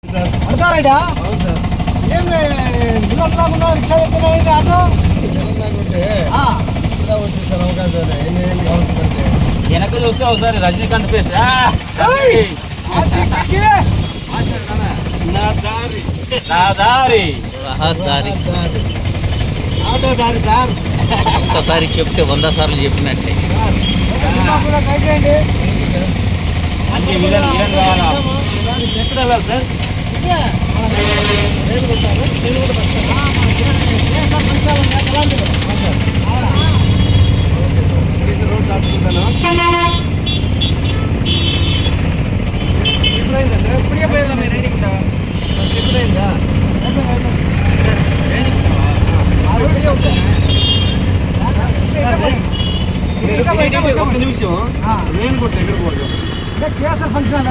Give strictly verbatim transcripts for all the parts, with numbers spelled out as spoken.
Sir అడతారాడా అవును sir ఏమి పిల్లలు రాకుండా రిక్షా చెప్తున్నావు ఆటో తెలంగాణకుంటే ఇలా వచ్చి సార్ అవకాశాలు ఎన్ని ఏమి అవసరం పడితే వెనక చూస్తే ఒకసారి రజనీకాంత్ ఫేస్ నా దారి నా దారి రహదారి దారి ఆటో దారి సార్ ఒక్కసారి చెప్తే వంద సార్లు చెప్పినట్టే. కూడా ట్రై చేయండి అన్ని విలన్ విలన్ కావాలా ఎక్కడ వెళ్ళాలి సార్ ఇదే నేను కొట్టాను నేను కూడా రోడ్ దాటుకుంటాను ఎప్పుడైందండి ఎప్పుడైందా ఒక్క నిమిషం నేను కొట్ట ఎక్కడ పోదు కేఎస్ఆర్ ఫంక్షన్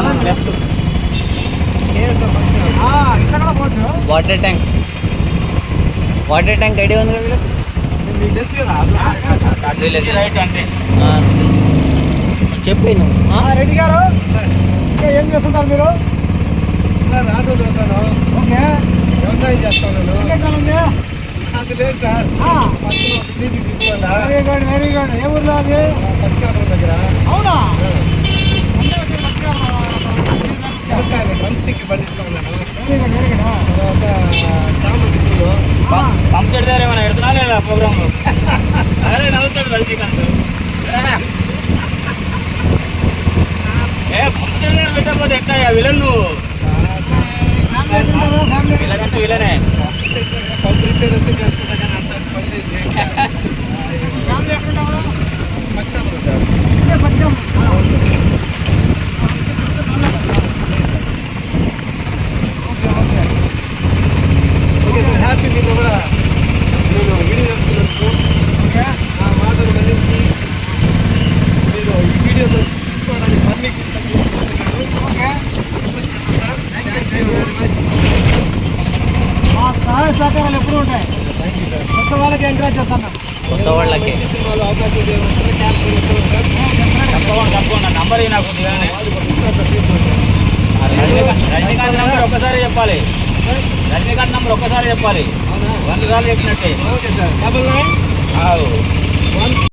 కేఎస్ఆర్ ఫంక్షన్ ఇక్కడ కూడా పోవచ్చు water tank water tank idea ఉంది కదా మీకు తెలుసు కదా వీళ్ళకి? రైట్ అంటే ఆ, చెప్పే నువ్వు ఆ? రెడ్డి గారు సార్ ఇంకా ఏం చేస్తుంటారు మీరు సార్ ఆటో దొరుకుతాను ఓకే వ్యవసాయం చేస్తాను నేను ఎన్ని ఎకరాలు ఉంది అది లేదు సార్ పక్కన ఒక లీజుకి తీసుకోవాలా వెరీ గుడ్ వెరీ గుడ్ ఏ ఊర్లో అది పచ్చికాపురం దగ్గర అవునా అంటే వచ్చి పక్కన చెనక్కాయలు మనిషికి పండిస్తా ఉన్నాను వెరీ గుడ్ వెరీ గుడ్ తర్వాత చామంతి పూలు పంప్ సెట్ దగ్గర ఏమైనా పెడుతున్నా లేదా ప్రోగ్రామ్ లో అదే నవ్వుతాడు రజనీకాంత్ ఏ పంప్ సెట్ దగ్గర పెట్టకపోతే ఎట్టా విలన్ నువ్వు ఫ్యామిలీ విలన్ అంటే విలనే పంపు రిపేర్ వస్తే చేసుకుంటా కానీ అంత పని చేసి ఫ్యామిలీ ఎక్కడున్నావు పచ్చికాపురం సార్ ఇదే పచ్చం okay okay okay sir happy మీతో కూడా నేను వీడియో చేస్తున్నందుకు ఓకే నా మాటలు మన్నించి మీరు ఈ వీడియోతో తీసుకోవడానికి పర్మిషన్ తీసుకున్నందుకు okay sir thank you very much మా సహాయ సహకారాలు ఎప్పుడు ఉంటాయి థ్యాంక్ యూ సార్ కొత్త వాళ్ళకి ఎంకరేజ్ చేస్తాను కొత్త వాళ్ళకి మంచి సినిమాలో అవకాశం వచ్చిన క్యాన్సర్ ఎప్పుడు సార్ తప్పకుండా తప్పకుండా నంబర్ ఈ నాకు దిగానే వాళ్ళు పంపిస్తారు సార్ తీసుకోండి రజనీకాంత్ రజనీకాంత్ నంబర్ ఒక్కసారి చెప్పాలి రజనీకాంత్ నంబర్ ఒక్కసారి చెప్పాలి అవునా వంద సార్లు చెప్పినట్టే ఓకే సార్ డబల్ నైన్ ఆవు వన్